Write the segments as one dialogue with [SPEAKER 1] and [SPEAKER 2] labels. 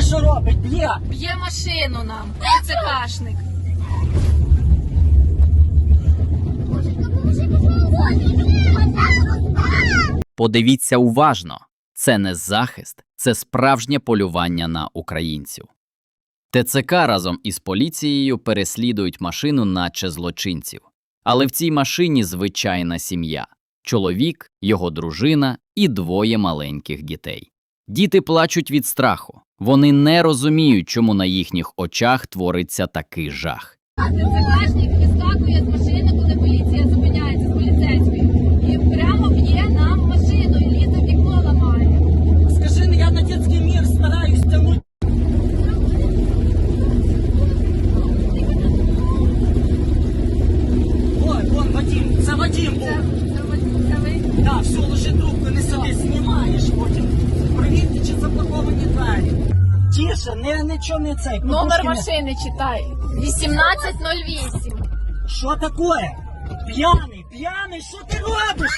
[SPEAKER 1] що робить? Б'є!
[SPEAKER 2] Б'є машину нам, ТЦКшник.
[SPEAKER 3] Подивіться уважно. Це не захист, це справжнє полювання на українців. ТЦК разом із поліцією переслідують машину, наче злочинців. Але в цій машині звичайна сім'я – чоловік, його дружина і двоє маленьких дітей. Діти плачуть від страху. Вони не розуміють, чому на їхніх очах твориться такий жах.
[SPEAKER 2] ТЦКшник вискакує з машини, коли поліція зупиняється з поліцейською. І прямо б'є нам машину, і лізе вікно ламає.
[SPEAKER 1] Скажи, я на дитячий мір стараюсь тягнути. Ой, вон Вадим, це Вадим був.
[SPEAKER 2] Це ви?
[SPEAKER 1] Так, все, ложи трубку, не сиди, знімаєш потім. Провірте, чи заблоковані двері. Тише, нічого не цей.
[SPEAKER 2] Номер
[SPEAKER 1] подушки не-
[SPEAKER 2] машини читай. 1808.
[SPEAKER 1] Що таке? П'яний, що ти робиш?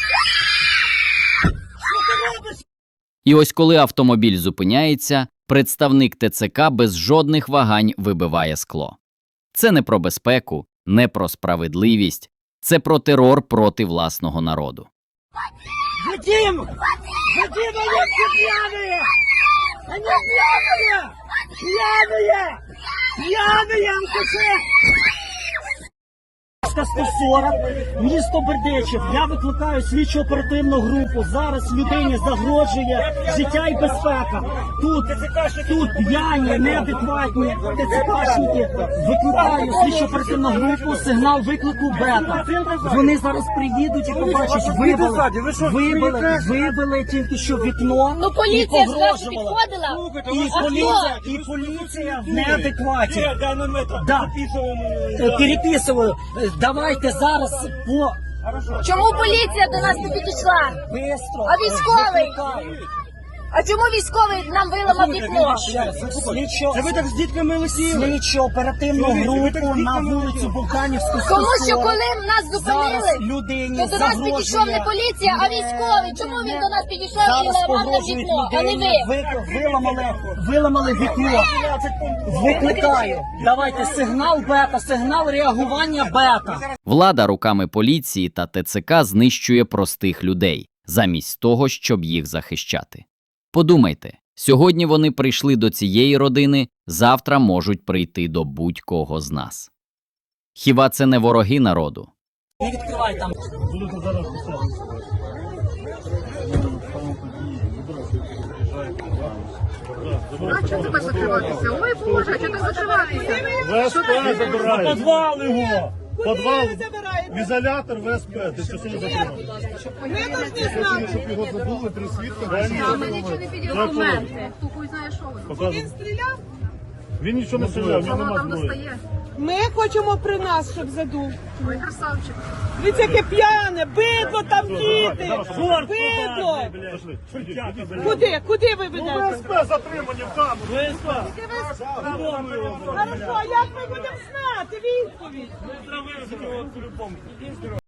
[SPEAKER 1] Що ти робиш?
[SPEAKER 3] І ось коли автомобіль зупиняється, представник ТЦК без жодних вагань вибиває скло. Це не про безпеку, не про справедливість, це про терор проти власного народу.
[SPEAKER 1] Вадим, они все пьяные! Они пьяные! Пьяные, алкаши! 140, місто Бердичів. Я викликаю слідчо оперативну групу. Зараз людині загрожує життя і безпека. Тут п'яні, неадекватні ТЦКшники. Викликаю слідчо оперативну групу, сигнал виклику бета. Вони зараз приїдуть і побачать, вибили тільки що вікно.
[SPEAKER 2] Ну
[SPEAKER 1] і
[SPEAKER 2] поліція ж наша
[SPEAKER 1] погрожували.
[SPEAKER 2] підходила.
[SPEAKER 1] І поліція в неадекваті. Да. Переписую. Давайте зараз по...
[SPEAKER 2] Чому поліція до нас не підійшла?
[SPEAKER 1] Бистро.
[SPEAKER 2] А військовий?
[SPEAKER 1] Викликаю.
[SPEAKER 2] А чому військовий нам виламав вікно?
[SPEAKER 1] Це ви так з дітками лисіли? Слідчо оперативну групу на вулицю Булканівську.
[SPEAKER 2] Тому що коли нас
[SPEAKER 1] Зараз
[SPEAKER 2] зупинили,
[SPEAKER 1] людині
[SPEAKER 2] то до нас підійшов не поліція, а військовий. Чому він до нас підійшов і
[SPEAKER 1] Зараз
[SPEAKER 2] ламав нам
[SPEAKER 1] погрожують
[SPEAKER 2] вікно, а не
[SPEAKER 1] людині.
[SPEAKER 2] ви?
[SPEAKER 1] Виламали вікно. Викликаю. Давайте сигнал бета, сигнал реагування бета.
[SPEAKER 3] Влада руками поліції та ТЦК знищує простих людей, замість того, щоб їх захищати. Подумайте, сьогодні вони прийшли до цієї родини, завтра можуть прийти до будь-кого з нас. Хіба це не вороги народу?
[SPEAKER 1] Не відкривай там.
[SPEAKER 2] А чого це так закриватися? Ой, Боже, а чого так закриватися?
[SPEAKER 4] ВСП забирає.
[SPEAKER 5] Подвал його!
[SPEAKER 4] Подвал, в ізолятор ВСП. Ти що сьогодні закриваєш?
[SPEAKER 5] Ми повинні знати.
[SPEAKER 4] Щоб його забули, 3 свідка.
[SPEAKER 2] А ми нічого не підійшли. Документи. Хто хуй знає, що воно.
[SPEAKER 5] Він стріляв.
[SPEAKER 4] Він нічого не стріляв, в нього
[SPEAKER 2] Воно
[SPEAKER 4] нема
[SPEAKER 2] там
[SPEAKER 4] зброї.
[SPEAKER 2] достає.
[SPEAKER 5] Ми хочемо при нас, щоб задув.
[SPEAKER 2] Ой, красавчик.
[SPEAKER 5] Дивіться, яке п'яне, бидло там діти. Бидло.
[SPEAKER 4] Пошли.
[SPEAKER 5] Куди ви ведете?
[SPEAKER 4] ВСП затримані в камеру.
[SPEAKER 5] Хорошо, а як ми будемо знати відповідь?
[SPEAKER 4] Ми по-любому.